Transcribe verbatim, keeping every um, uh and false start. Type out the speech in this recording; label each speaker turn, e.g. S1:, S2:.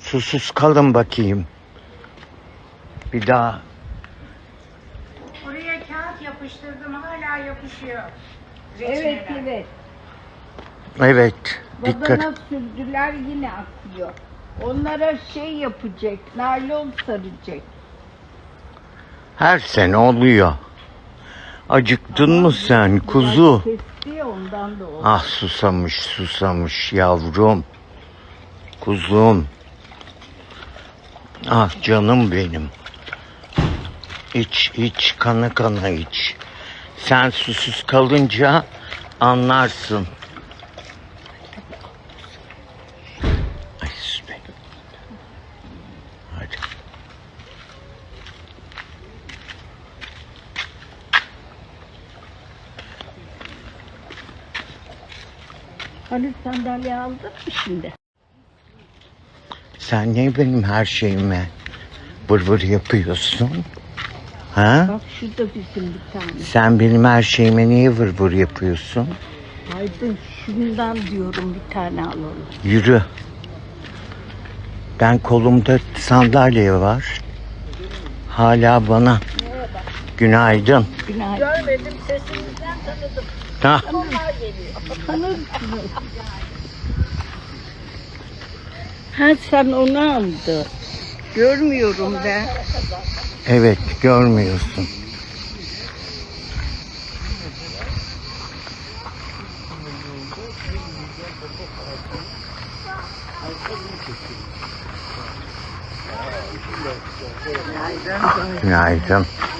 S1: Susuz kalın bakayım. Bir daha.
S2: Oraya kağıt yapıştırdım, hala yapışıyor.
S3: Evet
S2: Reçineler.
S3: evet.
S1: Evet. Dikkat.
S3: Badana sürdüler yine akıyor. Onlara şey yapacak, naylon saracak.
S1: Her sene oluyor. Acıktın mı sen kuzu?
S3: Biraz kesti ya, ondan da oldu.
S1: Ah susamış susamış yavrum. Kuzum. Ah canım benim. İç iç kana kana iç. Sen susuz kalınca anlarsın. Ay sus be. Hadi.
S3: Hani sandalye aldın mı şimdi?
S1: Sen ne benim her şeyime vır vır yapıyorsun? Ha?
S3: Bak şurada bizim bir tane.
S1: Sen benim her şeyime niye vır vır yapıyorsun?
S3: Aydın şundan diyorum, bir tane alalım.
S1: Yürü. Ben kolumda sandalye var. Hala bana. Günaydın.
S3: Günaydın.
S2: Görmedim, sesinizden tanıdım.
S1: Ha,
S2: Onlar geliyor.
S3: Tanırsınız. Ha sen onu aldın. Görmüyorum ben.
S1: evet görmüyorsun. Günaydın.